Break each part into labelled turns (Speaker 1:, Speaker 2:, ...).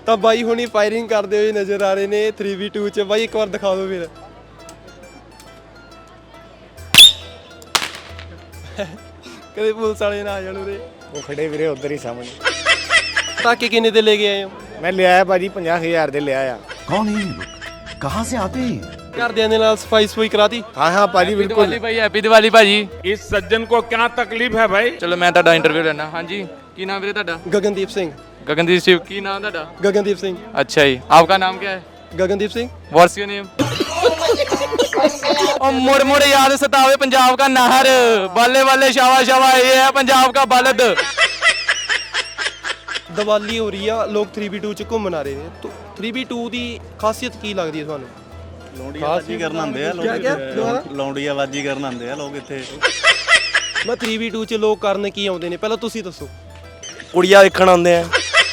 Speaker 1: ਤਾਂ ਬਾਈ ਹੁਣੀ ਫਾਇਰਿੰਗ ਕਰਦੇ ਹੋਏ ਨਜ਼ਰ ਆ ਰਹੇ ਨੇ 3v2 ਚ। ਬਾਈ ਇੱਕ ਵਾਰ ਦਿਖਾ ਦਿਓ ਫਿਰ। ਕਦੇ ਪੁਲਿਸ ਵਾਲੇ ਨਾ ਆ ਜਾਣ ਉਰੇ।
Speaker 2: ਉਹ ਖੜੇ ਵੀਰੇ ਉਧਰ ਹੀ ਸਾਹਮਣੇ।
Speaker 1: ਪਟਾਕੇ ਕਿੰਨੇ ਦੇ ਲੈ ਕੇ ਆਏ ਹੋ?
Speaker 2: ਮੈਂ ਲਿਆਇਆ ਭਾਜੀ 50,000 ਦੇ ਲਿਆਇਆ।
Speaker 3: कौन है ये लोग? कहाँ से आते हैं?
Speaker 1: ਘਰਦਿਆਂ ਦੇ ਨਾਲ ਸਫਾਈ ਸਫਾਈ ਕਰਾਤੀ?
Speaker 2: हाँ हाँ ਭਾਜੀ ਬਿਲकुल।
Speaker 4: ਭਾਈ ਹੈਪੀ ਦੀਵਾਲੀ ਭਾਜੀ।
Speaker 5: इस सज्जन को क्या तकलीफ है भाई?
Speaker 4: ਚਲੋ ਮੈਂ ਤੁਹਾਡਾ ਇੰਟਰਵਿਊ ਲੈਣਾ। ਹਾਂਜੀ ਕੀ ਨਾਮ ਵੀਰੇ ਤੁਹਾਡਾ?
Speaker 1: ਗਗਨਦੀਪ ਸਿੰਘ।
Speaker 4: ਗਗਨਦੀਪ ਸਿੰਘ। ਕੀ ਨਾਮ ਤੁਹਾਡਾ?
Speaker 1: ਗਗਨਦੀਪ ਸਿੰਘ।
Speaker 4: अच्छा जी, आपका नाम क्या है?
Speaker 1: Gagandeep Singh.
Speaker 4: What's your name? और मुड़ मुड़ याद सतावे पंजाब का नहर, बल्ले बल्ले शावा शावा ये है पंजाब का बलद।
Speaker 1: ਦੀਵਾਲੀ ਹੋ ਰਹੀ ਆ, ਲੋਕ 3v2 ਚ ਘੁੰਮਣ ਆ ਰਹੇ ਨੇ। 3v2 ਦੀ ਖਾਸੀਅਤ ਕੀ ਲੱਗਦੀ ਹੈ ਤੁਹਾਨੂੰ?
Speaker 6: ਲੌਂਡੀਆਬਾਜੀ ਕਰਨ ਆਉਂਦੇ ਆ ਲੋਕ। ਲੌਂਡੀਆਬਾਜੀ ਕਰਨ ਆਉਂਦੇ ਆ ਲੋਕ ਇੱਥੇ।
Speaker 1: ਮੈਂ 3v2 ਚ ਲੋਕ ਕਰਨ ਕੀ ਆਉਂਦੇ ਨੇ, ਪਹਿਲਾਂ ਤੁਸੀਂ ਦੱਸੋ।
Speaker 2: ਕੁੜੀਆਂ ਵੇਖਣ ਆਉਂਦੇ ਆ।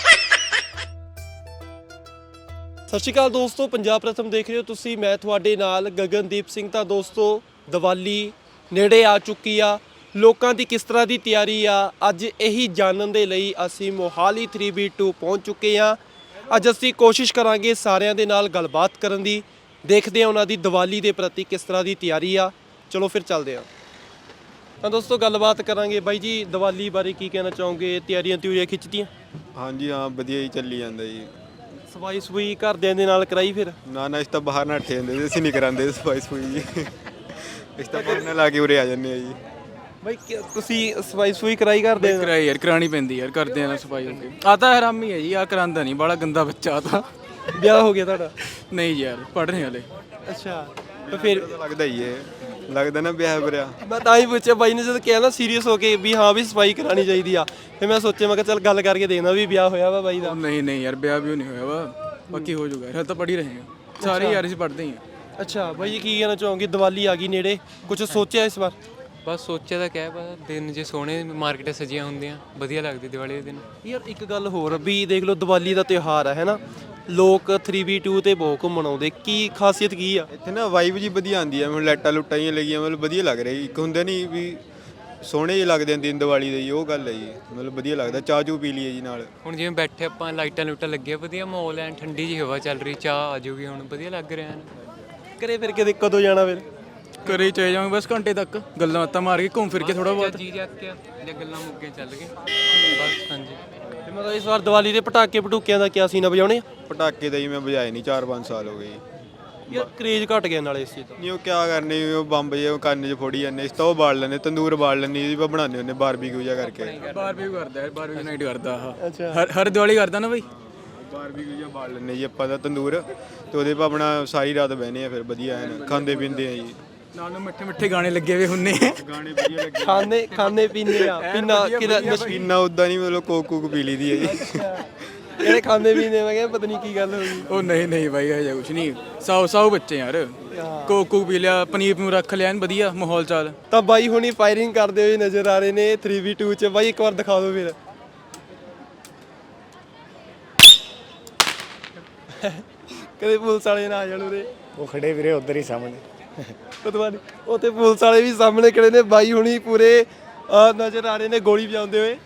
Speaker 1: ਸਤਿ ਸ਼੍ਰੀ ਅਕਾਲ ਦੋਸਤੋ, ਪੰਜਾਬ ਪ੍ਰਥਮ ਦੇਖ ਰਹੇ ਹੋ ਤੁਸੀਂ। ਮੈਂ ਤੁਹਾਡੇ ਨਾਲ ਗਗਨਦੀਪ ਸਿੰਘ। ਤਾਂ ਦੋਸਤੋ ਦੀਵਾਲੀ ਨੇੜੇ ਆ ਚੁੱਕੀ ਆ, ਲੋਕਾਂ ਦੀ ਕਿਸ ਤਰ੍ਹਾਂ ਦੀ ਤਿਆਰੀ ਆ, ਅੱਜ ਇਹੀ ਜਾਣਨ ਦੇ ਲਈ ਅਸੀਂ ਮੋਹਾਲੀ 3v2 ਪਹੁੰਚ ਚੁੱਕੇ ਆ। ਅੱਜ ਅਸੀਂ ਕੋਸ਼ਿਸ਼ ਕਰਾਂਗੇ ਸਾਰਿਆਂ ਦੇ ਨਾਲ ਗੱਲਬਾਤ ਕਰਨ ਦੀ, ਦੇਖਦੇ ਹਾਂ ਉਹਨਾਂ ਦੀ ਦੀਵਾਲੀ ਦੇ ਪ੍ਰਤੀ ਕਿਸ ਤਰ੍ਹਾਂ ਦੀ ਤਿਆਰੀ ਆ। ਚਲੋ ਫਿਰ ਚੱਲਦੇ ਹਾਂ। ਤਾਂ ਦੋਸਤੋ ਗੱਲਬਾਤ ਕਰਾਂਗੇ। ਬਾਈ ਜੀ ਦੀਵਾਲੀ ਬਾਰੇ ਕੀ ਕਹਿਣਾ ਚਾਹੋਗੇ? ਤਿਆਰੀਆਂ ਖਿੱਚਦੀਆਂ?
Speaker 7: ਹਾਂਜੀ ਹਾਂ, ਵਧੀਆ ਹੀ ਚੱਲੀ ਜਾਂਦਾ ਜੀ।
Speaker 1: ਸਫਾਈ ਸਫੂਈ ਘਰਦਿਆਂ ਦੇ ਨਾਲ ਕਰਾਈ ਫਿਰ?
Speaker 7: ਨਾ ਇਸ ਤਾਂ ਬਾਹਰ ਨਾ ਠੇ ਹੁੰਦੇ, ਅਸੀਂ ਨਹੀਂ ਕਰਾਂਦੇ ਸਫਾਈ ਸਫੂਈ ਜੀ। ਇਸ ਤਾਂ ਬਾਹਰ ਨਾਲ ਲਾ ਕੇ ਉਰੇ ਆ ਜਾਂਦੇ ਆ ਜੀ।
Speaker 1: ਬਾਈ ਤੁਸੀਂ ਸਫਾਈ ਸਫੂਈ ਕਰਾਈ ਕਰਦੇ ਹੋ?
Speaker 4: ਕਰਾਈ ਯਾਰ, ਕਰਾਣੀ ਪੈਂਦੀ ਯਾਰ, ਕਰਦੇ ਆ ਨਾ ਸਫਾਈ। ਆ ਤਾਂ ਹਰਾਮੀ ਹੈ ਜੀ, ਆ ਕਰਾਂਦਾ ਨਹੀਂ, ਬੜਾ ਗੰਦਾ ਬੱਚਾ ਤਾਂ।
Speaker 1: ਵਿਆਹ ਹੋ ਗਿਆ ਤੁਹਾਡਾ?
Speaker 4: ਨਹੀਂ ਯਾਰ, ਪੜ੍ਹ ਰਹੇ ਹਲੇ।
Speaker 1: ਅੱਛਾ, ਤਾਂ ਫਿਰ
Speaker 7: ਲੱਗਦਾ ਹੀ ਹੈ, ਲੱਗਦਾ ਨਾ ਵਿਆਹ ਬਰਿਆ।
Speaker 1: ਮੈਂ ਤਾਂ ਹੀ ਪੁੱਛਿਆ ਬਾਈ ਨੇ ਜਦੋਂ ਕਿਹਾ ਨਾ ਸੀਰੀਅਸ ਹੋ ਕੇ ਵੀ ਹਾਂ ਵੀ ਸਫਾਈ ਕਰਾਣੀ ਚਾਹੀਦੀ ਆ, ਫਿਰ ਮੈਂ ਸੋਚਿਆ ਮੈਂ ਕਿਹਾ ਚੱਲ ਗੱਲ ਕਰਕੇ ਦੇਖਦਾ ਵੀ ਵਿਆਹ ਹੋਇਆ ਵਾ ਬਾਈ ਦਾ।
Speaker 4: ਨਹੀਂ ਨਹੀਂ ਯਾਰ, ਵਿਆਹ ਵੀ ਨਹੀਂ ਹੋਇਆ ਵਾ, ਬਾਕੀ ਹੋ ਜਾਊਗਾ ਯਾਰ, ਤਾਂ ਪੜ੍ਹ ਹੀ ਰਹੇ ਹਾਂ ਸਾਰੇ ਯਾਰ, ਅਸੀਂ ਪੜ੍ਹਦੇ ਹੀ ਹਾਂ।
Speaker 1: ਅੱਛਾ ਬਾਈ ਜੀ ਕੀ ਕਹਿਣਾ ਚਾਹੋਗੇ? ਦੀਵਾਲੀ ਆ ਗਈ ਨੇੜੇ, ਕੁਝ ਸੋਚਿਆ ਇਸ ਵਾਰ?
Speaker 8: ਬਸ ਸੋਚਿਆ ਤਾਂ ਕਿਆ ਪਤਾ, ਦਿਨ ਜੇ ਸੋਹਣੇ ਮਾਰਕੀਟਾਂ ਸਜੀਆਂ ਹੁੰਦੀਆਂ, ਵਧੀਆ ਲੱਗਦੀ ਦੀਵਾਲੀ ਦੇ ਦਿਨ।
Speaker 1: ਯਾਰ ਇੱਕ ਗੱਲ ਹੋਰ ਵੀ ਦੇਖ ਲਓ, ਦੀਵਾਲੀ ਦਾ ਤਿਉਹਾਰ ਹੈ ਨਾ, ਲੋਕ 3v2 ਤੇ ਬਹੁਤ ਘੁੰਮਣ ਆਉਂਦੇ, ਕੀ ਖਾਸੀਅਤ ਕੀ ਆ
Speaker 7: ਇੱਥੇ ਨਾ ਵਾਈਬ ਜੀ ਵਧੀਆ ਆਉਂਦੀ ਆ। ਮੈਨੂੰ ਲਾਈਟਾਂ ਲੁੱਟਾਂ ਜਿਹੀਆਂ ਲੱਗੀਆਂ, ਮਤਲਬ ਵਧੀਆ ਲੱਗ ਰਿਹਾ ਜੀ। ਇੱਕ ਹੁੰਦੇ ਨਹੀਂ ਵੀ ਸੋਹਣੇ ਜਿਹੇ ਲੱਗਦੇ ਆ ਦਿਨ ਦੀਵਾਲੀ ਦੇ ਜੀ, ਉਹ ਗੱਲ ਹੈ ਜੀ। ਮਤਲਬ ਵਧੀਆ ਲੱਗਦਾ। ਚਾਹ ਚੂ ਪੀ ਲਈਏ ਜੀ ਨਾਲ।
Speaker 8: ਹੁਣ ਜਿਵੇਂ ਬੈਠੇ ਆਪਾਂ, ਲਾਈਟਾਂ ਲੂਟਾਂ ਲੱਗੀਆਂ, ਵਧੀਆ ਮਾਹੌਲ ਐ, ਠੰਡੀ ਜਿਹੀ ਹਵਾ ਚੱਲ ਰਹੀ, ਚਾਹ ਆ ਜਾਊਗੀ ਹੁਣ, ਵਧੀਆ ਲੱਗ ਰਿਹਾ ਹੈ।
Speaker 1: ਘਰੇ ਫਿਰ ਕਦੇ ਕਦੋਂ ਜਾਣਾ ਫਿਰ?
Speaker 4: ਘਰੇ ਚਲੇ ਜਾਵਾਂਗੇ ਬਸ ਘੰਟੇ ਤੱਕ, ਗੱਲਾਂ ਬਾਤਾਂ ਮਾਰ ਕੇ ਘੁੰਮ ਫਿਰ ਕੇ ਥੋੜਾ ਬਹੁਤ।
Speaker 8: ਜੀ ਜਾ ਕੇ ਜਾਂ ਗੱਲਾਂ ਮੁੱਕੇ ਚੱਲ ਗਏ ਬਸ। ਹਾਂਜੀ,
Speaker 1: ਤੇ ਮਤਲਬ ਇਸ ਵਾਰ ਦੀਵਾਲੀ ਦੇ ਪਟਾਕੇ ਪਟੂਕਿਆਂ ਦਾ ਕਿਆ ਸੀਨ ਵਜਾਉਣੇ?
Speaker 7: ਪਟਾਕੇ ਤਾਂ ਜੀ ਮੈਂ ਵਜਾਏ ਨਹੀਂ, 4-5 ਸਾਲ ਹੋ ਗਏ ਜੀ।
Speaker 1: ਯਾਰ ਕਰੇਜ ਘਟ ਗਿਆ ਨਾਲੇ ਇਸ ਚੀਜ਼ ਦਾ।
Speaker 7: ਨਹੀਂ ਉਹ ਕਿਆ ਕਰਨੇ, ਉਹ ਬੰਬ ਜੇ ਕੰਨ 'ਚ ਫੋੜੀ ਜਾਂਦੇ। ਇਸ ਤਾਂ ਉਹ ਬਾਲ ਲੈਂਦੇ, ਤੰਦੂਰ ਬਾਲ ਲੈਂਦੇ, ਇਹਦੀ ਬਣਾਉਂਦੇ ਹੁੰਦੇ ਬਾਰਬੀਕਿਊ ਜਿਹਾ ਕਰਕੇ।
Speaker 4: ਬਾਰਬੀਕਿਊ ਕਰਦਾ ਯਾਰ, ਬਾਰਬੀਕਿਊ ਨਾਈਟ ਕਰਦਾ ਆਹ।
Speaker 1: ਅੱਛਾ,
Speaker 4: ਹਰ ਦੀਵਾਲੀ ਕਰਦਾ ਨਾ ਬਈ।
Speaker 7: ਬਾਰਬੀਕਿਊ ਜਿਹਾ ਬਾਲ ਲੈਂਦੇ ਜੀ ਆਪਾਂ ਦਾ ਤੰਦੂਰ, ਤੇ ਉਹਦੇ 'ਤੇ ਆਪਣਾ ਸਾਰੀ ਰਾਤ ਬਹਿਨੇ ਆ, ਫਿਰ ਵਧੀਆ ਐਨ ਖਾਂਦੇ ਪੀਂਦੇ ਆ ਜੀ।
Speaker 4: ਨਾਲ ਨੂੰ ਮਿੱਠੇ ਮਿੱਠੇ ਗਾਣੇ ਲੱਗੇ ਹੋਏ ਹੁੰਨੇ।
Speaker 7: ਗਾਣੇ ਵਧੀਆ ਲੱਗੇ।
Speaker 1: ਖਾਣੇ ਪੀਣੇ ਆ, ਪੀਣਾ ਕਿਹਦਾ?
Speaker 7: ਪੀਣਾ ਉਦਾਂ ਨਹੀਂ, ਮਤਲਬ ਕੋਕ ਕੂਕ ਪੀ ਲਈ ਦੀ ਹੈ ਜੀ।
Speaker 1: ਜਿਹੜੇ ਖਾਂਦੇ ਪੀਂਦੇ, ਮੈਂ ਕਿਹਾ ਪਤਾ ਨਹੀਂ ਕੀ ਗੱਲ ਹੋ ਗਈ।
Speaker 4: ਉਹ ਨਹੀਂ ਨਹੀਂ ਬਾਈ, ਇਹ ਕੁਛ ਨਹੀਂ, ਸਾਊ ਬੱਚੇ ਯਾਰ। ਕੋਕ ਪੀ ਲਿਆ, ਪਨੀਰ ਨੂੰ ਰੱਖ ਲਿਆ, ਵਧੀਆ ਮਾਹੌਲ ਚਾਲ।
Speaker 1: ਤਾਂ ਬਾਈ ਹੁਣੀ ਫਾਇਰਿੰਗ ਕਰਦੇ ਹੋਏ ਨਜ਼ਰ ਆ ਰਹੇ ਨੇ 3v2 ਚ। ਬਾਈ ਇੱਕ ਵਾਰ ਦਿਖਾ ਦਿਓ ਫਿਰ। ਕਦੇ ਪੁਲਿਸ ਵਾਲੇ ਨਾ ਆ ਜਾਣ ਉਰੇ।
Speaker 2: ਉਹ ਖੜੇ ਵੀਰੇ ਉਧਰ ਹੀ ਸਾਹਮਣੇ।
Speaker 1: ਪਤਾ ਨਹੀਂ ਉੱਥੇ ਪੁਲਿਸ ਵਾਲੇ ਵੀ ਸਾਹਮਣੇ ਖੜੇ ਨੇ। ਬਾਈ ਹੁਣੀ ਪੂਰੇ ਨਜ਼ਰ ਆ ਰਹੇ ਨੇ ਗੋਲੀ ਵਜਾਉਂਦੇ ਹੋਏ।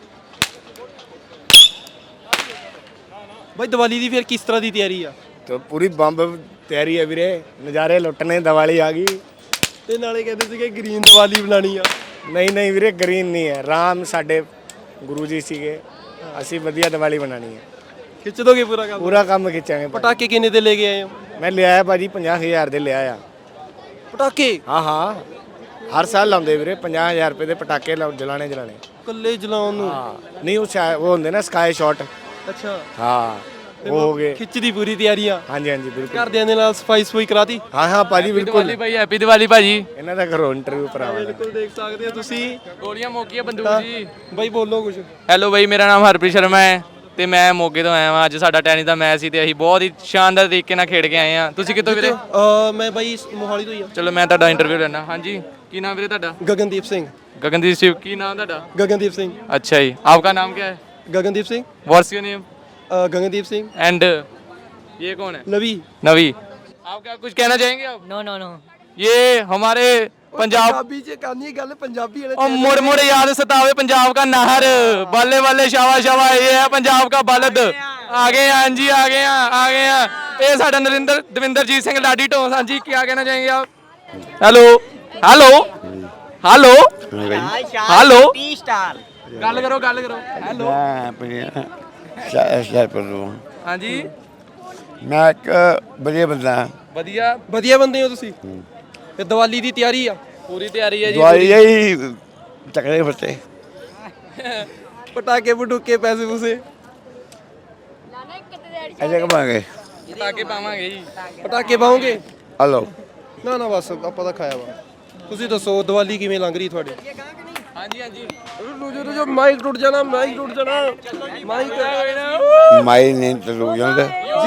Speaker 1: ਬਾਈ ਦੀਵਾਲੀ ਦੀ ਫਿਰ ਕਿਸ ਤਰ੍ਹਾਂ ਦੀ ਤਿਆਰੀ ਆ?
Speaker 2: ਤੇ ਪੂਰੀ ਬੰਬ ਤਿਆਰੀ ਹੈ ਵੀਰੇ, ਨਜ਼ਾਰੇ ਲੁੱਟਣੇ। ਦੀਵਾਲੀ ਆ ਗਈ
Speaker 1: ਤੇ ਨਾਲੇ ਕਹਿੰਦੇ ਸੀਗੇ ਗ੍ਰੀਨ ਦੀਵਾਲੀ ਬਣਾਣੀ ਆ।
Speaker 2: ਨਹੀਂ ਨਹੀਂ ਵੀਰੇ, ਗ੍ਰੀਨ ਨਹੀਂ ਹੈ। ਰਾਮ ਸਾਡੇ ਗੁਰੂ ਜੀ ਸੀਗੇ, ਅਸੀਂ ਵਧੀਆ ਦੀਵਾਲੀ ਬਣਾਣੀ ਹੈ।
Speaker 1: ਖਿੱਚ ਦੋਗੇ ਪੂਰਾ ਕੰਮ?
Speaker 2: ਪੂਰਾ ਕੰਮ ਖਿੱਚਾਂਗੇ।
Speaker 1: ਪਟਾਕੇ ਕਿੰਨੇ ਦੇ ਲੈ ਕੇ ਆਏ ਹੋ?
Speaker 2: ਮੈਂ ਲਿਆਇਆ ਭਾਜੀ 50,000 ਦੇ ਲਿਆਇਆ।
Speaker 1: ਪਟਾਕੇ?
Speaker 2: ਹਾਂ ਹਾਂ, ਹਰ ਸਾਲ ਲਾਉਂਦੇ ਵੀਰੇ 50,000 ਰੁਪਏ ਦੇ ਪਟਾਕੇ ਜਲਾਣੇ।
Speaker 1: ਕੱਲੇ ਜਲਾਉਣ ਨੂੰ?
Speaker 2: ਹਾਂ ਨਹੀਂ, ਉਹ ਹੁੰਦੇ ਨਾ ਸਕਾਈ ਸ਼ਾਟ।
Speaker 1: ਅੱਛਾ,
Speaker 2: ਹਾਂ ਉਹ ਹੋ ਗਏ।
Speaker 1: ਖਿੱਚ ਦੀ ਪੂਰੀ ਤਿਆਰੀ ਆ?
Speaker 2: ਹਾਂਜੀ ਹਾਂਜੀ ਬਿਲਕੁਲ।
Speaker 1: ਘਰਦਿਆਂ ਦੇ ਨਾਲ ਸਫਾਈ ਸਫੂਈ ਕਰਾਤੀ?
Speaker 2: ਹਾਂ ਹਾਂ ਭਾਜੀ ਬਿਲकुल।
Speaker 4: ਭਾਈ ਹੈਪੀ ਦੀਵਾਲੀ ਭਾਜੀ।
Speaker 2: ਇਹਨਾਂ ਦਾ ਕਰੋ ਇੰਟਰਵਿਊ ਭਰਾਵਾ।
Speaker 1: ਬਿਲਕੁਲ ਦੇਖ ਸਕਦੇ ਹੋ ਤੁਸੀਂ।
Speaker 4: ਗੋਲੀਆਂ ਮੋਕੀਆਂ ਬੰਦੂਕ ਜੀ।
Speaker 1: ਬਾਈ ਬੋਲੋ ਕੁਝ।
Speaker 4: ਹੈਲੋ ਬਾਈ, ਮੇਰਾ ਨਾਮ ਹਰਪ੍ਰੀਤ ਸ਼ਰਮਾ ਹੈ ਤੇ ਮੈਂ ਮੋਗੇ ਤੋਂ ਆਇਆ ਹਾਂ। ਅੱਜ ਸਾਡਾ ਟੈਨਿਸ ਦਾ ਮੈਚ ਸੀ ਤੇ ਅਸੀਂ ਬਹੁਤ ਹੀ ਸ਼ਾਨਦਾਰ ਤਰੀਕੇ ਨਾਲ ਖੇਡ ਕੇ ਆਏ ਹਾਂ। ਤੁਸੀਂ ਕਿੱਥੋਂ ਵੀਰੇ?
Speaker 1: ਮੈਂ ਬਾਈ ਮੋਹਾਲੀ ਤੋਂ ਹੀ ਆ।
Speaker 4: ਚਲੋ ਮੈਂ ਤੁਹਾਡਾ ਇੰਟਰਵਿਊ ਲੈਣਾ। ਹਾਂਜੀ ਕੀ ਨਾਮ ਵੀਰੇ ਤੁਹਾਡਾ?
Speaker 1: गगनदीप सिंह।
Speaker 4: गगनदीप सिंह। की नाम ਤੁਹਾਡਾ?
Speaker 1: गगनदीप सिंह।
Speaker 4: अच्छा जी, आपका नाम क्या है?
Speaker 1: Gagandeep Singh.
Speaker 4: What's your name?
Speaker 1: Gagandeep Singh.
Speaker 4: And ये कौन है?
Speaker 1: नवी।
Speaker 4: नवी। आप क्या कुछ कहना चाहेंगे आप?
Speaker 8: ਨੋ ਨੋ ਨੋ।
Speaker 4: ये हमारे पंजाब
Speaker 1: ਪੰਜਾਬੀ ਚ ਕਰਨੀ ਗੱਲ, ਪੰਜਾਬੀ ਵਾਲੇ
Speaker 4: और मुड़ मुड़ याद सतावे पंजाब का नहर, बल्ले बल्ले शावा शावा ये है पंजाब का बलद। ਆ ਗਏ ਹਾਂ ਜੀ, ਆ ਗਏ ਹਾਂ। ਇਹ ਸਾਡਾ ਦਵਿੰਦਰਜੀਤ ਸਿੰਘ ਲਾਡੀ ਢੋਂਸ। ਹਾਂਜੀ, ਕੀ ਕਹਿਣਾ ਚਾहेंगे आप? ਹੈਲੋ ਗੱਲ ਕਰੋ ਹੈਲੋ। ਹਾਂਜੀ,
Speaker 9: ਮੈਂ ਇੱਕ ਵਧੀਆ ਬੰਦਾ ਹਾਂ।
Speaker 1: ਵਧੀਆ ਬੰਦੇ ਹੋ ਤੁਸੀਂ। ਤੇ ਦੀਵਾਲੀ ਦੀ ਤਿਆਰੀ ਆ?
Speaker 4: ਪੂਰੀ ਤਿਆਰੀ ਹੈ ਜੀ।
Speaker 9: ਦਵਾਈ ਹੀ ਚੱਕਰੇ ਫੱਟੇ
Speaker 1: ਪਟਾਕੇ ਪਟੂਕੇ ਪੈਸੇ ਪੂਸੇ
Speaker 9: ਐਸੇ ਕਮਾਂਗੇ।
Speaker 4: ਪਟਾਕੇ ਪਾਵਾਂਗੇ ਜੀ।
Speaker 1: ਪਟਾਕੇ ਪਾਉਂਗੇ?
Speaker 9: ਹਲੋ
Speaker 1: ਨਾ ਬਸ ਆਪਾਂ ਤਾਂ ਖਾਇਆ ਵਾ। ਤੁਸੀਂ ਦੱਸੋ ਦੀਵਾਲੀ ਕਿਵੇਂ ਲੰਘ ਰਹੀ ਤੁਹਾਡੀ?
Speaker 4: ਹਾਂਜੀ
Speaker 1: ਜੋ ਮਾਈਕ ਟੁੱਟ ਜਾਣਾ ਮਾਈਕ
Speaker 9: ਮਾਈ ਨੇ ਤਲੂ ਜਾਂਦਾ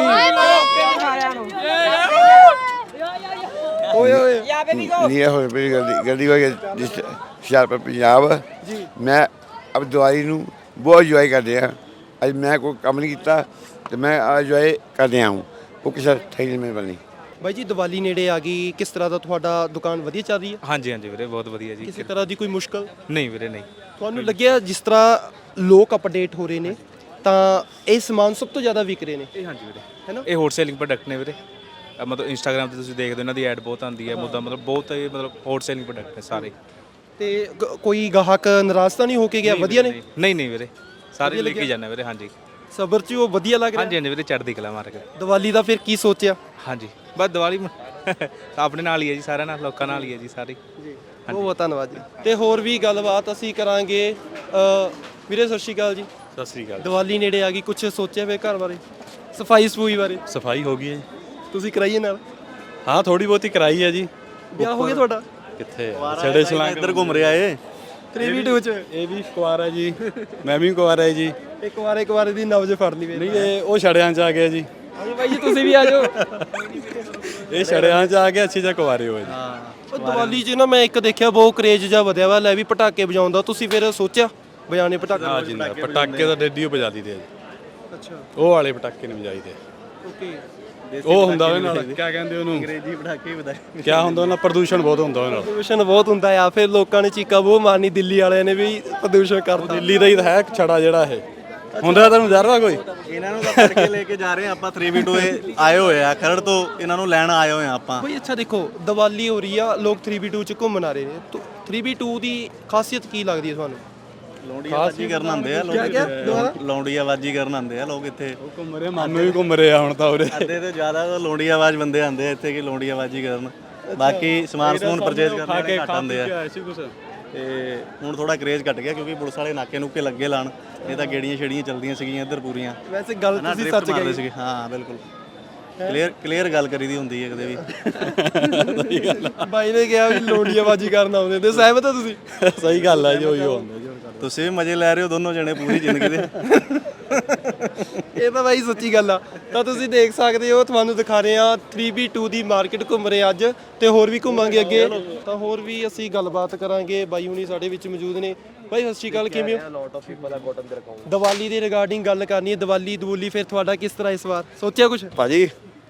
Speaker 1: ਓਏ
Speaker 9: ਨਹੀਂ ਹੋਏ ਪਈ ਗੱਡੀ ਹੋਈ ਜਿਸ ਹੁਸ਼ਿਆਰਪੁਰ ਪੰਜਾਬ
Speaker 1: ਜੀ।
Speaker 9: ਮੈਂ ਅਬ ਦਿਵਾਲੀ ਨੂੰ ਬਹੁਤ ਇੰਜੋਏ ਕਰਦੇ ਆ। ਅੱਜ ਮੈਂ ਕੋਈ ਕੰਮ ਨਹੀਂ ਕੀਤਾ ਤੇ ਮੈਂ ਇੰਜੋਏ ਕਰਦੇ ਹਾਂ। ਉਹ ਕਿਸੇ ਠੇਲੇ ਮੇ ਬਣੀ।
Speaker 1: ਬਾਈ ਜੀ ਦੀਵਾਲੀ ਨੇੜੇ ਆ ਗਈ, ਕਿਸ ਤਰ੍ਹਾਂ ਦਾ ਤੁਹਾਡਾ ਦੁਕਾਨ ਵਧੀਆ ਚੱਲ ਰਹੀ ਹੈ?
Speaker 10: ਹਾਂਜੀ ਵੀਰੇ, ਬਹੁਤ ਵਧੀਆ ਜੀ।
Speaker 1: ਕਿਸੇ ਤਰ੍ਹਾਂ ਦੀ ਕੋਈ ਮੁਸ਼ਕਲ
Speaker 10: ਨਹੀਂ ਵੀਰੇ, ਨਹੀਂ।
Speaker 1: ਤੁਹਾਨੂੰ ਲੱਗਿਆ ਜਿਸ ਤਰ੍ਹਾਂ ਲੋਕ ਅਪਡੇਟ ਹੋ ਰਹੇ ਨੇ ਤਾਂ ਇਹ ਸਮਾਨ ਸਭ ਤੋਂ ਜ਼ਿਆਦਾ ਵਿਕ ਰਹੇ ਨੇ?
Speaker 10: ਇਹ ਹਾਂਜੀ ਵੀਰੇ,
Speaker 1: ਹੈ ਨਾ?
Speaker 10: ਇਹ ਹੋਟ ਸੇਲਿੰਗ ਪ੍ਰੋਡਕਟ ਨੇ ਵੀਰੇ। ਮਤਲਬ ਇੰਸਟਾਗ੍ਰਾਮ ਤੇ ਤੁਸੀਂ ਦੇਖਦੇ ਹੋ ਇਹਨਾਂ ਦੀ ਐਡ ਬਹੁਤ ਆਉਂਦੀ ਹੈ। ਮਤਲਬ ਬਹੁਤ ਹੋਟ ਸੇਲਿੰਗ ਪ੍ਰੋਡਕਟ ਨੇ ਸਾਰੇ।
Speaker 1: ਤੇ ਕੋਈ ਗਾਹਕ ਨਾਰਾਜ਼ ਤਾਂ ਨਹੀਂ ਹੋ ਕੇ ਗਿਆ? ਵਧੀਆ ਨੇ?
Speaker 10: ਨਹੀਂ ਵੀਰੇ, ਸਾਰੇ ਲੈ ਕੇ ਜਾਂਦੇ ਵੀਰੇ। ਹਾਂਜੀ,
Speaker 1: ਸਬਰ ਚ ਉਹ ਵਧੀਆ ਲੱਗ ਰਿਹਾ?
Speaker 10: ਹਾਂਜੀ ਵੀਰੇ, ਚੜ੍ਹਦੀ ਕਲਾ ਮਾਰ ਕੇ।
Speaker 1: ਦੀਵਾਲੀ ਦਾ ਫਿਰ ਕੀ ਸੋਚਿਆ?
Speaker 10: ਹਾਂਜੀ, ਬਸ ਦੀਵਾਲੀ ਆਪਣੇ ਨਾਲ ਹੀ ਹੈ ਜੀ, ਸਾਰਿਆਂ ਨਾਲ, ਲੋਕਾਂ ਨਾਲ ਹੀ ਹੈ ਜੀ ਸਾਰੀ।
Speaker 1: ਬਹੁਤ ਧੰਨਵਾਦ ਜੀ। ਤੇ ਹੋਰ ਵੀ ਗੱਲਬਾਤ ਅਸੀਂ ਕਰਾਂਗੇ। ਵੀਰੇ ਸਤਿ ਸ਼੍ਰੀ ਅਕਾਲ ਜੀ।
Speaker 6: ਸਤਿ ਸ੍ਰੀ ਅਕਾਲ।
Speaker 1: ਦੀਵਾਲੀ ਨੇੜੇ ਆ ਗਈ, ਕੁਝ ਸੋਚਿਆ ਵੇ ਘਰ ਬਾਰੇ, ਸਫਾਈ ਸਫੂਈ ਬਾਰੇ?
Speaker 6: ਸਫਾਈ ਹੋ ਗਈ ਹੈ ਜੀ।
Speaker 1: ਤੁਸੀਂ ਕਰਾਈਏ ਨਾਲ?
Speaker 6: ਹਾਂ, ਥੋੜੀ ਬਹੁਤੀ ਕਰਾਈ ਹੈ ਜੀ।
Speaker 1: ਵਿਆਹ ਹੋ ਗਿਆ ਤੁਹਾਡਾ?
Speaker 6: ਕਿੱਥੇ ਛੜੇ ਛਲਾਂਗ ਇੱਧਰ ਘੁੰਮ ਰਿਹਾ ਏ।
Speaker 1: 3v2 ਚ
Speaker 6: ਇਹ ਵੀ ਕੁਆਰਾ ਜੀ, ਮੈਂ ਵੀ ਕੁਆਰਾ ਜੀ।
Speaker 1: ਇੱਕ ਵਾਰੇ ਦੀ ਨਬਜ਼ ਫੜਨੀ ਵੇ।
Speaker 6: ਨਹੀਂ, ਇਹ ਉਹ ਛੜਿਆਂ 'ਚ ਆ ਗਿਆ ਜੀ।
Speaker 1: ਹਾਂਜੀ ਬਾਈ ਜੀ, ਤੁਸੀਂ ਵੀ ਆ ਜਾਓ।
Speaker 6: ਇਹ ਛੜਿਆਂ 'ਚ ਆ ਗਿਆ, ਅੱਛੀ ਜਿਹਾ ਕੁਆਰੇ ਹੋਏ ਜੀ।
Speaker 1: ਉਹ ਦੀਵਾਲੀ 'ਚ ਨਾ ਮੈਂ ਇੱਕ ਦੇਖਿਆ ਬਹੁਤ ਕਰੇਜ ਜਿਹਾ ਵਧਿਆ ਵਾ, ਲੈ ਵੀ ਪਟਾਕੇ ਵਜਾਉਂਦਾ। ਤੁਸੀਂ ਫਿਰ ਸੋਚਿਆ ਵਜਾਣੇ ਪਟਾਕੇ?
Speaker 6: ਹਾਂ ਜੀ, ਪਟਾਕੇ ਤਾਂ ਡੇਡੀ ਵਜਾ ਦਈਦੇ ਆ ਜੀ।
Speaker 1: ਅੱਛਾ,
Speaker 6: ਉਹ ਵਾਲੇ ਪਟਾਕੇ ਨਹੀਂ ਵਜਾਈਦੇ।
Speaker 1: ਓਕੇ।
Speaker 6: ਉਹ ਹੁੰਦਾ ਉਹਦੇ ਨਾਲ, ਕੀ ਕਹਿੰਦੇ ਉਹਨੂੰ, ਅੰਗਰੇਜ਼ੀ ਪਟਾਕੇ ਵਜਾਏ। ਕਿਆ ਹੁੰਦਾ ਉਹਨਾਂ, ਪ੍ਰਦੂਸ਼ਣ ਬਹੁਤ ਹੁੰਦਾ ਉਹਦੇ ਨਾਲ।
Speaker 1: ਪ੍ਰਦੂਸ਼ਣ ਬਹੁਤ ਹੁੰਦਾ ਆ। ਫਿਰ ਲੋਕਾਂ ਨੇ ਚੀਕਾ ਬਹੁਤ ਮਾਰਨੀ, ਦਿੱਲੀ ਵਾਲਿਆਂ ਨੇ ਵੀ ਪ੍ਰਦੂਸ਼ਣ ਕਰਤਾ।
Speaker 6: ਦਿੱਲੀ ਦਾ ਹੀ ਤਾਂ ਹੈ ਛੜਾ ਜਿਹੜਾ ਇਹ ਹੁੰਦਾ। ਤੁਹਾਨੂੰ ਜ਼ਰਵਾ ਕੋਈ?
Speaker 11: ਇਹਨਾਂ ਨੂੰ ਤਾਂ ਫੜ ਕੇ ਲੈ ਕੇ ਜਾ ਰਹੇ ਆ ਆਪਾਂ। 3v2 ਆਏ ਹੋਏ ਆ ਖਰੜ ਤੋਂ, ਇਹਨਾਂ ਨੂੰ ਲੈਣ ਆਏ ਹੋਏ ਆ ਆਪਾਂ।
Speaker 1: ਬਈ ਅੱਛਾ ਦੇਖੋ, ਦੀਵਾਲੀ ਹੋ ਰਹੀ ਆ, ਲੋਕ 3v2 ਚ ਘੁੰਮਣ ਆ ਰਹੇ ਨੇ। 3v2 ਦੀ ਖਾਸੀਅਤ ਕੀ ਲੱਗਦੀ ਹੈ ਤੁਹਾਨੂੰ?
Speaker 11: ਲੌਂਡੀਆਬਾਜੀ ਕਰਨ ਆਉਂਦੇ ਆ ਲੋਕ। ਲੌਂਡੀਆਬਾਜੀ ਕਰਨ ਆਉਂਦੇ ਆ ਲੋਕ ਇੱਥੇ।
Speaker 6: ਉਹ ਘੁੰਮ ਰਹੇ, ਮਾਮੇ ਵੀ ਘੁੰਮ ਰਹੇ ਆ ਹੁਣ ਤਾਂ ਉਰੇ।
Speaker 11: ਅੱਧੇ ਤੋਂ ਜ਼ਿਆਦਾ ਤਾਂ ਲੌਂਡੀਆਬਾਜ਼ ਬੰਦੇ ਆਉਂਦੇ ਆ ਇੱਥੇ ਕਿ ਲੌਂਡੀਆਬਾਜੀ ਕਰਨ। ਬਾਕੀ ਸਮਾਨ ਸਮੂਨ ਪਰਚੇਜ਼ ਕਰਨ ਵਾਲੇ ਘੱਟ ਆਉਂਦੇ ਆ। ਤੇ ਹੁਣ ਥੋੜਾ ਕਰੇਜ਼ ਘਟ ਗਿਆ ਕਿਉਂਕਿ ਪੁਲਿਸ ਵਾਲੇ ਨਾਕੇ ਨੂਕੇ ਲੱਗੇ ਲਾਣ। ਇਹ ਤਾਂ ਗੇੜੀਆਂ ਛੇੜੀਆਂ ਚੱਲਦੀਆਂ ਸੀਗੀਆਂ ਇੱਧਰ ਪੂਰੀਆਂ।
Speaker 1: ਵੈਸੇ ਗੱਲ ਤੁਸੀਂ ਸੱਚ ਕਹੀ
Speaker 11: ਸੀਗੇ। ਹਾਂ ਬਿਲਕੁਲ, ਕਲੀਅਰ ਗੱਲ ਕਰੀ ਦੀ ਹੁੰਦੀ ਹੈ ਕਦੇ ਵੀ।
Speaker 1: ਬਾਈ ਨੇ ਕਿਹਾ ਵੀ ਲੋਂਡੀਆਬਾਜੀ ਕਰਨ ਆਉਂਦੇ ਤੇ ਸਹਿਮਤ ਹੋ ਤੁਸੀਂ?
Speaker 6: ਸਹੀ ਗੱਲ ਹੈ ਜੀ, ਉਹੀ ਹੁੰਦਾ ਜੀ।
Speaker 11: ਤੁਸੀਂ ਵੀ ਮਜ਼ੇ ਲੈ ਰਹੇ ਹੋ ਦੋਨੋਂ ਜਣੇ ਪੂਰੀ ਜ਼ਿੰਦਗੀ ਦੇ।
Speaker 1: ਇਹ ਤਾਂ ਬਾਈ ਸੱਚੀ ਗੱਲ ਆ। ਤਾਂ ਤੁਸੀਂ ਦੇਖ ਸਕਦੇ ਹੋ, ਤੁਹਾਨੂੰ ਦਿਖਾ ਰਹੇ ਆ 3v2 ਦੀ ਮਾਰਕੀਟ ਘੁੰਮ ਰਹੇ ਅੱਜ, ਤੇ ਹੋਰ ਵੀ ਘੁੰਮਾਂਗੇ ਅੱਗੇ। ਤਾਂ ਹੋਰ ਵੀ ਅਸੀਂ ਗੱਲਬਾਤ ਕਰਾਂਗੇ। ਬਾਈ ਹੁਣੀ ਸਾਡੇ ਵਿੱਚ ਮੌਜੂਦ ਨੇ। ਬਾਈ ਸਤਿ ਸ਼੍ਰੀ ਅਕਾਲ, ਕਿਵੇਂ ਹੋ? ਦੀਵਾਲੀ ਦੇ ਰਿਗਾਰਡਿੰਗ ਗੱਲ ਕਰਨੀ ਹੈ। ਦੀਵਾਲੀ ਫਿਰ ਤੁਹਾਡਾ ਕਿਸ ਤਰ੍ਹਾਂ ਇਸ ਵਾਰ ਸੋਚਿਆ ਕੁਝ?
Speaker 11: ਭਾਜੀ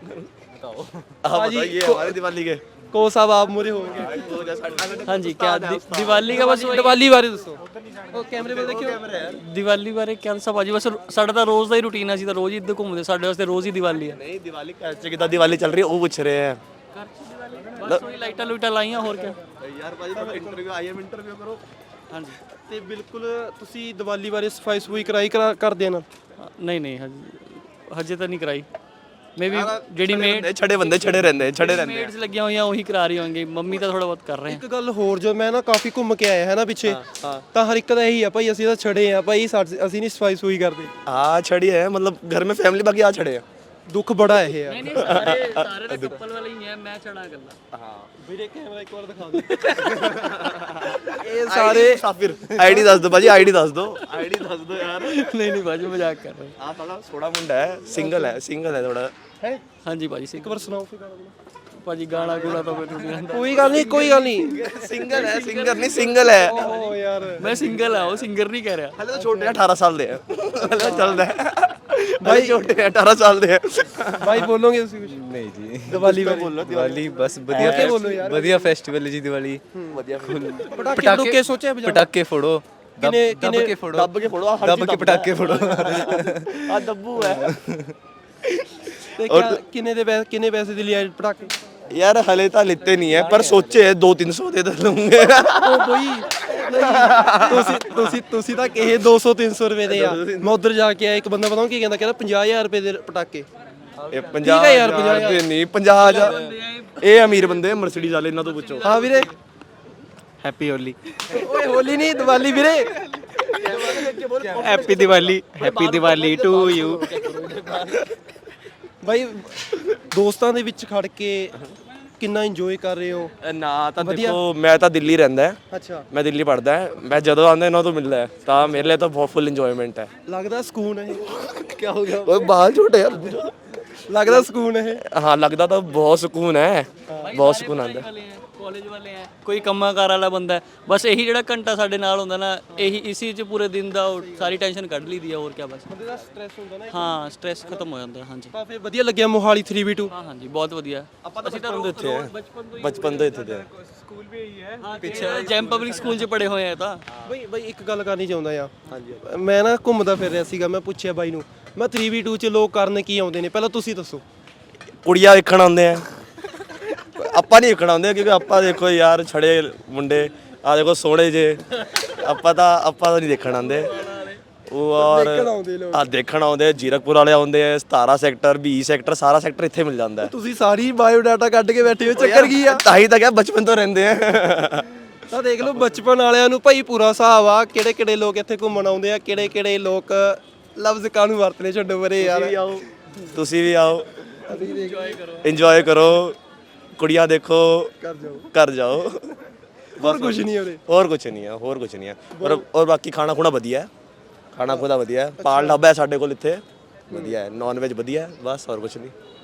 Speaker 1: भाजी हमारे दिवाली के को साहब आप मुरे होंगे।
Speaker 12: हाँ जी, क्या दिवाली का बस
Speaker 1: दिवाली बारे दसो। ਉਹ ਕੈਮਰੇ ਵੱਲ ਦੇਖਿਓ।
Speaker 12: दिवाली बारे क्या सब भाजी बस साਡਾ ਤਾਂ ਰੋਜ਼ ਦਾ ਹੀ ਰੂਟੀਨ ਹੈ। ਅਸੀਂ ਤਾਂ ਰੋਜ਼ ਹੀ ਇੱਧਰ ਘੁੰਮਦੇ, ਸਾਡੇ ਵਾਸਤੇ ਰੋਜ਼ ਹੀ ਦੀਵਾਲੀ ਹੈ।
Speaker 11: ਨਹੀਂ ਦੀਵਾਲੀ ਘਰ 'ਚ ਕਿੱਦਾਂ ਦੀਵਾਲੀ ਚੱਲ ਰਹੀ ਹੈ ਉਹ ਪੁੱਛ ਰਹੇ ਆ।
Speaker 12: ਬਸ ਉਹੀ ਲਾਈਟਾਂ ਲੂਟਾਂ ਲਾਈਆਂ, ਹੋਰ ਕੀ
Speaker 11: ਯਾਰ ਭਾਜੀ ਤੁਹਾਡਾ ਇੰਟਰਵਿਊ ਆਈ ਐਮ ਇੰਟਰਵਿਊ ਕਰੋ।
Speaker 12: ਹਾਂਜੀ,
Speaker 1: ਤੇ ਬਿਲਕੁਲ ਤੁਸੀਂ ਦੀਵਾਲੀ ਬਾਰੇ ਸਫਾਈ ਸਫੂਈ ਕਰਦੇ ਨਾ?
Speaker 12: ਨਹੀਂ ਹਜੇ ਤਾਂ ਨਹੀਂ ਕਰਾਈ। ਮੇ ਵੀ ਜਿਹੜੀ ਮੇਡ
Speaker 11: ਛੜੇ ਬੰਦੇ ਛੜੇ ਰਹਿੰਦੇ
Speaker 12: ਮੇਡਸ ਲੱਗੀਆਂ ਹੋਈਆਂ ਉਹੀ ਕਰਾ ਰਹੀ ਹੋਣਗੇ। ਮੰਮੀ ਤਾਂ ਥੋੜਾ ਬਹੁਤ ਕਰ ਰਹੇ
Speaker 1: ਇੱਕ ਗੱਲ ਹੋਰ, ਜੋ ਮੈਂ ਨਾ ਕਾਫੀ ਘੁੰਮ ਕੇ ਆਇਆ ਹੈ ਨਾ ਪਿੱਛੇ, ਤਾਂ ਹਰ ਇੱਕ ਦਾ ਇਹੀ ਆ ਭਾਈ, ਅਸੀਂ ਤਾਂ ਛੜੇ ਆ ਭਾਈ, ਅਸੀਂ ਨਹੀਂ ਸਫਾਈ ਸੂਈ ਕਰਦੇ।
Speaker 11: हाँ छड़ी है, मतलब घर में फैमिली बाकी आ छड़े हैं।
Speaker 1: ਦੁੱਖ ਬੜਾ ਇਹ ਆ।
Speaker 12: ਨਹੀਂ ਸਾਰੇ ਤਾਂ ਕਪਲ ਵਾਲੇ ਹੀ ਹੈ, ਮੈਂ ਛੜਾ ਗੱਲਾਂ।
Speaker 1: ਹਾਂ ਵੀਰੇ ਕੈਮਰਾ ਇੱਕ ਵਾਰ ਦਿਖਾ ਦੇ। ਇਹ ਸਾਰੇ
Speaker 11: मुसाफिर आईडी दस दो भाजी, आईडी दस दो, आईडी दस दो यार।
Speaker 12: नहीं भाजी मजाक कर रहे हैं।
Speaker 11: आप थोड़ा सोड़ा मुंडा है, सिंगल है थोड़ा
Speaker 1: ਹੈ।
Speaker 12: हाँ जी भाजी
Speaker 1: ਇੱਕ ਵਾਰ ਸੁਣਾਓ ਫਿਰ
Speaker 12: भाजी गाना गुना तो मैं नहीं आंदा।
Speaker 1: ਕੋਈ ਗੱਲ ਨਹੀਂ
Speaker 11: सिंगल है, सिंगर नहीं सिंगल है।
Speaker 1: ਓ ਯਾਰ
Speaker 12: मैं सिंगल है, वो सिंगर नहीं कह रहा।
Speaker 11: हले तो छोटे हैं, 18 साल दे हैं। हले तो चलदा है भाई, छोटे हैं 18 साल दे हैं।
Speaker 1: ਭਾਈ ਬੋਲੋਗੇ ਤੁਸੀਂ ਕੁਝ?
Speaker 8: ਨਹੀਂ ਜੀ,
Speaker 1: ਦੀਵਾਲੀ ਬਾਰੇ
Speaker 11: बोलो
Speaker 8: ਦੀਵਾਲੀ ਬਸ
Speaker 1: ਹੋਰ ਕੀ ਬੋਲੋ ਯਾਰ?
Speaker 8: ਵਧੀਆ ਫੈਸਟੀਵਲ ਜੀ ਦੀਵਾਲੀ।
Speaker 11: बढ़िया।
Speaker 1: ਪਟਾਕੇ ਲੋਕੇ ਸੋਚਿਆ ਬਜਾ?
Speaker 8: ਪਟਾਕੇ ਫੋੜੋ,
Speaker 1: ਕਿਨੇ
Speaker 11: ਦੱਬ ਕੇ ਫੜੋ ਦੱਬ ਕੇ ਪਟਾਕੇ ਫੜੋ ਆ ਦੱਬੂ ਹੈ।
Speaker 1: ਤੇ ਕਿੰਨੇ ਪੈਸੇ ਦੇ ਲਿਆ ਪਟਾਕੇ?
Speaker 11: ਯਾਰ ਹਲੇ ਤਾਂ ਲਿੱਤੇ ਨਹੀਂ ਹੈ ਪਰ ਸੋਚੇ 200-300 ਦੇ ਤਾਂ ਲਵਾਂਗੇ।
Speaker 1: ਉਹ ਬਈ ਤੁਸੀਂ ਤਾਂ ਕਹੇ 200-300 ਰੁਪਏ ਦੇ ਆ। ਮੈਂ ਉਧਰ ਜਾ ਕੇ ਆਇਆ, ਇੱਕ ਬੰਦਾ ਪਤਾ ਕੀ ਕਹਿੰਦਾ 50000 ਰੁਪਏ ਦੇ ਪਟਾਕੇ।
Speaker 11: ਇਹ 50,000 ਰੁਪਏ ਨਹੀਂ 50,000 ਇਹ ਅਮੀਰ ਬੰਦੇ ਮਰਸੀਡੀਜ਼ ਵਾਲੇ, ਇਹਨਾਂ ਤੋਂ ਪੁੱਛੋ।
Speaker 1: ਹਾਂ ਵੀਰੇ,
Speaker 11: ਹੈਪੀ ਹੋਲੀ।
Speaker 1: ਓਏ ਹੋਲੀ ਨਹੀਂ, ਦੀਵਾਲੀ ਵੀਰੇ।
Speaker 11: Happy Diwali to you.
Speaker 1: ਬਾਈ ਦੋਸਤਾਂ ਦੇ ਵਿੱਚ ਖੜ ਕੇ ਕਿੰਨਾ ਇੰਜੋਏ ਕਰ ਰਹੇ ਹੋ?
Speaker 11: ਨਾ ਤਾਂ ਦੇਖੋ ਮੈਂ ਤਾਂ ਦਿੱਲੀ ਰਹਿੰਦਾ ਹੈ।
Speaker 1: ਅੱਛਾ,
Speaker 11: ਮੈਂ ਦਿੱਲੀ ਪੜਦਾ ਹੈ। ਮੈਂ ਜਦੋਂ ਆਉਂਦਾ ਇਹਨਾਂ ਤੋਂ ਮਿਲਦਾ ਹੈ ਤਾਂ ਮੇਰੇ ਲਈ ਤਾਂ ਬਹੁਤ ਫੁੱਲ ਇੰਜੋਇਮੈਂਟ ਹੈ।
Speaker 1: ਲੱਗਦਾ ਸਕੂਨ ਹੈ। ਕੀ ਹੋ ਗਿਆ?
Speaker 11: ਓਏ ਬਾਲ ਝੋਟੇ ਯਾਰ।
Speaker 1: ਲੱਗਦਾ ਸਕੂਨ ਹੈ।
Speaker 11: ਹਾਂ ਲੱਗਦਾ ਤਾਂ ਬਹੁਤ ਸਕੂਨ ਹੈ, ਬਹੁਤ ਸਕੂਨ ਆਉਂਦਾ।
Speaker 12: ਕਾਲਜ ਵਾਲੇ ਆ, ਕੋਈ ਕੰਮਾਕਾਰ ਵਾਲਾ ਬੰਦਾ ਹੈ, ਬਸ ਇਹੀ ਜਿਹੜਾ ਘੰਟਾ ਸਾਡੇ ਨਾਲ ਹੁੰਦਾ ਨਾ, ਇਹੀ ਇਸੀ 'ਚ ਪੂਰੇ ਦਿਨ ਦਾ ਸਾਰੀ ਟੈਨਸ਼ਨ ਕੱਢ ਲਈਦੀ ਆ। ਹੋਰ ਕੀ, ਬਸ
Speaker 1: ਬੰਦੇ ਦਾ ਸਟ੍ਰੈਸ ਹੁੰਦਾ ਨਾ।
Speaker 12: ਹਾਂ ਸਟ੍ਰੈਸ ਖਤਮ ਹੋ ਜਾਂਦਾ। ਹਾਂਜੀ
Speaker 1: ਤਾਂ ਫਿਰ ਵਧੀਆ ਲੱਗਿਆ ਮੋਹਾਲੀ 3v2।
Speaker 12: ਹਾਂ ਹਾਂਜੀ ਬਹੁਤ ਵਧੀਆ। ਅਸੀਂ ਤਾਂ
Speaker 11: ਬਚਪਨ ਤੋਂ ਇੱਥੇ ਦੇ
Speaker 12: ਪਿੱਛੇ ਜੈਮ ਪਬਲਿਕ ਸਕੂਲ 'ਚ ਪੜ੍ਹੇ ਹੋਏ ਆ ਤਾਂ।
Speaker 1: ਬਈ ਇੱਕ ਗੱਲ ਕਰਨੀ ਚਾਹੁੰਦਾ ਆ। ਮੈਂ ਨਾ ਘੁੰਮਦਾ ਫਿਰ ਰਿਹਾ ਸੀਗਾ, ਮੈਂ ਪੁੱਛਿਆ ਬਾਈ ਨੂੰ, ਮੈਂ 3v2 ਚ ਲੋਕ ਕਰਨ ਕੀ ਆਉਂਦੇ ਨੇ, ਪਹਿਲਾਂ ਤੁਸੀਂ ਦੱਸੋ।
Speaker 11: ਕੁੜੀਆਂ ਵੇਖਣ ਆਉਂਦੇ ਆ, ਆਪਾਂ ਨਹੀਂ ਵੇਖਣ ਆਉਂਦੇ ਕਿਉਂਕਿ ਆਪਾਂ ਦੇਖੋ ਯਾਰ ਛੜੇ ਮੁੰਡੇ ਆ ਦੇਖੋ ਸੋਹਣੇ ਜੇ, ਆਪਾਂ ਤਾਂ ਨਹੀਂ ਦੇਖਣ ਆਉਂਦੇ। ਉਹ ਔਰ ਆ ਦੇਖਣ ਆਉਂਦੇ, ਜੀਰਕਪੁਰ ਵਾਲੇ ਆਉਂਦੇ ਆ, 17 ਸੈਕਟਰ 20 ਸੈਕਟਰ ਸਾਰਾ ਸੈਕਟਰ ਇੱਥੇ ਮਿਲ ਜਾਂਦਾ।
Speaker 1: ਤੁਸੀਂ ਸਾਰੀ ਬਾਇਓ ਡਾਟਾ ਕੱਢ ਕੇ ਬੈਠੇ ਹੋ, ਚੱਕਰ ਕੀ ਆ?
Speaker 11: ਤਾਂ ਹੀ ਤਾਂ ਕਿਹਾ ਬਚਪਨ ਤੋਂ ਰਹਿੰਦੇ ਆ।
Speaker 1: ਤਾਂ ਦੇਖ ਲਓ ਬਚਪਨ ਵਾਲਿਆਂ ਨੂੰ ਭਾਈ ਪੂਰਾ ਹਿਸਾਬ ਆ, ਕਿਹੜੇ ਕਿਹੜੇ ਲੋਕ ਇੱਥੇ ਘੁੰਮਣ ਆਉਂਦੇ ਆ, ਕਿਹੜੇ ਕਿਹੜੇ ਲੋਕ ਲਫ਼ਜ਼ ਕਾਹਨੂੰ ਵਰਤਨੇ, ਛੱਡੋ ਪਰੇ ਯਾਰ।
Speaker 11: ਤੁਸੀਂ ਵੀ ਆਓ, ਇੰਜੋਏ ਕਰੋ, ਕੁੜੀਆਂ ਦੇਖੋ, ਘਰ ਜਾਓ।
Speaker 1: ਹੋਰ ਕੁਝ ਨਹੀਂ ਉਰੇ।
Speaker 11: ਹੋਰ ਕੁਝ ਨਹੀਂ ਹੈ। ਔਰ ਬਾਕੀ ਖਾਣਾ ਖੁਣਾ ਵਧੀਆ ਹੈ, ਖਾਣਾ ਖੁਣਾ ਵਧੀਆ ਹੈ। ਪਾਲ ਢਾਬਾ ਹੈ ਸਾਡੇ ਕੋਲ ਇੱਥੇ, ਵਧੀਆ ਹੈ, ਨਾਨ ਵੈਜ ਵਧੀਆ ਹੈ, ਬਸ ਹੋਰ ਕੁਝ ਨਹੀਂ।